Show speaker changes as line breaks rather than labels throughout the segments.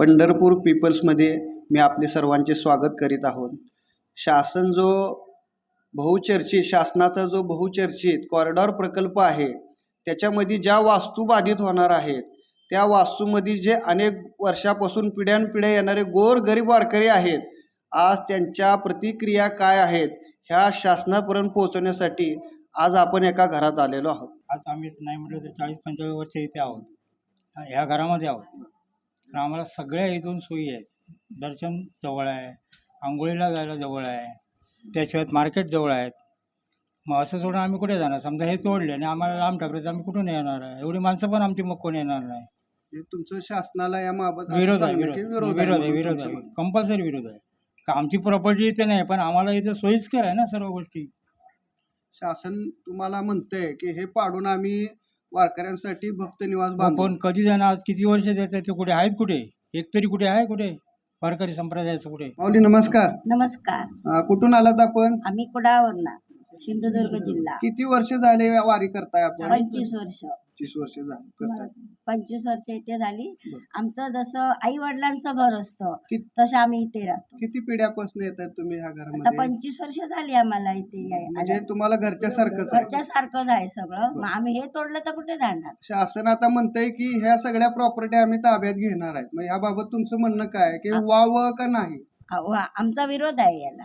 पंढरपूर पीपल्समध्ये मी आपले सर्वांचे स्वागत करीत आहोत। शासनाचा जो बहुचर्चित कॉरिडॉर प्रकल्प आहे त्याच्यामध्ये ज्या वास्तू बाधित होणार आहेत त्या वास्तूमध्ये जे अनेक वर्षापासून पिढ्यानपिढ्या येणारे गोरगरीब वारकरी आहेत, आज त्यांच्या प्रतिक्रिया काय आहेत ह्या शासनापर्यंत पोहोचवण्यासाठी आज आपण एका घरात आलेलो आहोत।
आज आम्ही नाही म्हटलं तर 40-45 वर्ष इथे आहोत, ह्या घरामध्ये आहोत। तर आम्हाला सगळ्या इथून सोयी आहेत। दर्शन जवळ आहे, आंघोळीला जायला जवळ आहे, त्याशिवाय मार्केट जवळ आहेत। मग असं सोडून आम्ही कुठे जाणार? समजा हे तोडले आणि आम्हाला लांब टाकले तर आम्ही कुठून येणार आहे? एवढी माणसं पण आमची मग कोण येणार नाही।
तुमचं शासनाला याबाबत
विरोध आहे, कंपल्सरी विरोध आहे। का आमची प्रॉपर्टी इथे नाही, पण आम्हाला इथे सोयीस्कर आहे ना सर्व गोष्टी।
शासन तुम्हाला म्हणतंय की हे पाडून आम्ही वारकऱ्यांसाठी भक्त निवास
पण कधी जाणार? आज किती वर्ष देतात ते? कुठे आहेत? कुठे एक तरी कुठे आहे? कुठे वारकरी संप्रदायाचं कुठे?
माऊली नमस्कार।
नमस्कार।
कुठून आलात आपण?
आम्ही कुडाळवरना, सिंधुदुर्ग जिल्हा।
किती वर्ष झाले वारी करताय आपण?
25 वर्ष।
25 वर्ष झाली करताय।
25 वर्ष इथे झाली। आमचं जसं आई वडिलांचं घर असतं
कि-
तसं आम्ही इथे राहतो।
किती पिढ्यापासून येतात तुम्ही ह्या
आता
घरामध्ये?
25 वर्ष झाली आम्हाला इथे
म्हणजे तुम्हाला घरच्या सारखंच आहे?
घरच्या सारखंच आहे सगळं। मग आम्ही हे तोडलं तर कुठे जाणार?
शासन आता म्हणतंय की ह्या सगळ्या प्रॉपर्टी आम्ही ताब्यात घेणार आहेत, मग याबाबत तुमचं म्हणणं काय आहे की वाव का नाही?
आमचा विरोध आहे याला।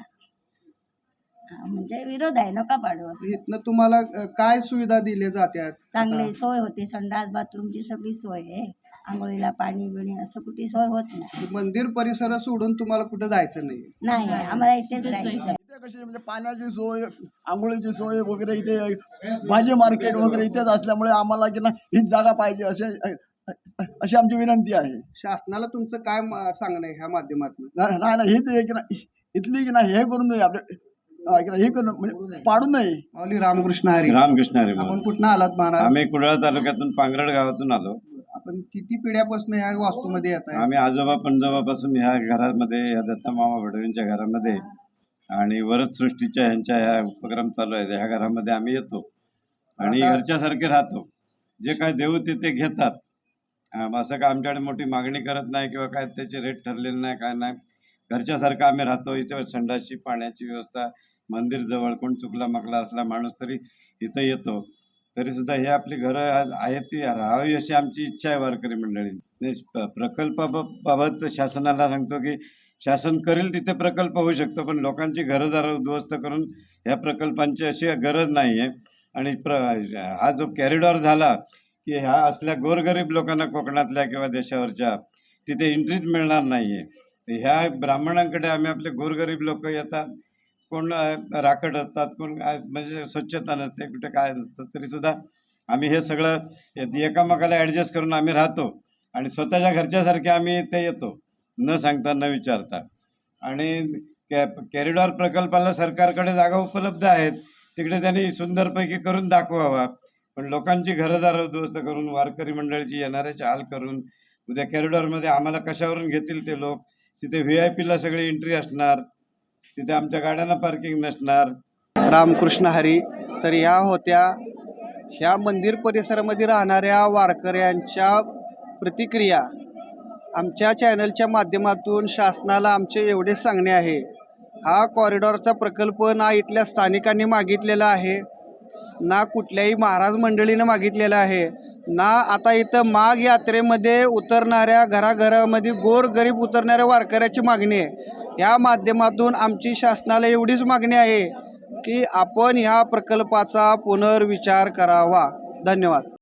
म्हणजे विरोध आहे, नका पाडू असं।
इथनं तुम्हाला काय सुविधा दिल्या जात्यात?
चांगली सोय होती, संडास बाथरूमची सगळी सोय आहे। आंघोळीला पाणी बिणी असं कुठे सोय होत नाही।
मंदिर परिसर सोडून तुम्हाला कुठे जायचं नाही?
नाही, आम्हाला इथेच राहायचं।
कशी म्हणजे पाण्याची सोय, आंघोळीची सोय वगैरे इथे, भाजी मार्केट वगैरे इथेच असल्यामुळे आम्हाला की ना हीच जागा पाहिजे अशी आमची विनंती आहे।
शासनाला तुमचं काय सांगणं आहे ह्या माध्यमातून?
नाही हीच आहे की ना, इथली की ना हे करून नये आपले, हे करून म्हणजे पाडू नये।
माऊली रामकृष्ण हरी।
रामकृष्ण हरी।
आपण कुठं आलात महाराज?
आम्ही कुडाळ तालुक्यातून पांगरड गावातून आलो।
आपण किती पिढ्यापासून ह्या वास्तूमध्ये येत आहे?
आम्ही आजोबा पणजोबापासून ह्या घरामध्ये, या दत्ता मामा भडवींच्या घरामध्ये आणि वरद सृष्टीच्या ह्यांच्या ह्या उपक्रम चालू आहेत ह्या घरामध्ये आम्ही येतो आणि घरच्यासारखे राहतो। जे काय देऊ ते घेतात। असं काय आमच्याकडे मोठी मागणी करत नाही किंवा काय त्याचे रेट ठरलेले नाही, काय नाही। घरच्यासारखं आम्ही राहतो। इथे संडासची पाण्याची व्यवस्था, मंदिर जवळ, कोण चुकला माकला असला माणूस तरी इथं येतो। तरी सुद्धा हे आपली घरं आहेत ती राहावी अशी आमची इच्छा आहे वारकरी मंडळी। प्रकल्पाबाबत शासनाला सांगतो की शासन करेल तिथे प्रकल्प होऊ शकतो, पण लोकांची घरदार उद्ध्वस्त करून ह्या प्रकल्पांची अशी गरज नाही आहे। आणि हा जो कॉरिडॉर झाला की ह्या असल्या गोरगरीब लोकांना कोकणातल्या किंवा देशावरच्या तिथे एंट्रीच मिळणार नाही आहे। ह्या ब्राह्मणांकडे आम्ही आपले गोरगरीब लोक येतात, कोण राखट असतात, कोण म्हणजे स्वच्छता नसते, कुठे काय नसतं, तरी सुद्धा आम्ही हे सगळं एकामेकाला ॲडजस्ट करून आम्ही राहतो आणि स्वतःच्या घरच्यासारखे आम्ही ते येतो, न सांगता न विचारता। आणि कॉरिडॉर प्रकल्पाला सरकारकडे जागा उपलब्ध आहेत, तिकडे त्यांनी सुंदरपैकी करून दाखवावा। पण लोकांची घरदार उद्ध्वस्त करून, वारकरी मंडळीची येणाऱ्याचे हाल करून, उद्या कॉरिडॉरमध्ये आम्हाला कशावरून घेतील ते लोक? तिथे VIP ला सगळी एंट्री असणार, तिथे आमच्या गाड्यांना पार्किंग नसणार।
रामकृष्ण हरी। तर ह्या होत्या ह्या मंदिर परिसरामध्ये राहणाऱ्या वारकऱ्यांच्या प्रतिक्रिया। आमच्या चॅनलच्या माध्यमातून शासनाला आमचे एवढेच सांगणे आहे, हा कॉरिडॉरचा प्रकल्प ना इथल्या स्थानिकांनी मागितलेला आहे, ना कुठल्याही महाराज मंडळीनं मागितलेलं आहे, ना आता इथं माघ यात्रेमध्ये उतरणाऱ्या घराघरामध्ये गोरगरीब उतरणाऱ्या वारकऱ्याची मागणी आहे। या माध्यमातून आमची शासनाला एवढीच मागणी आहे की आपण ह्या प्रकल्पाचा पुनर्विचार करावा। धन्यवाद।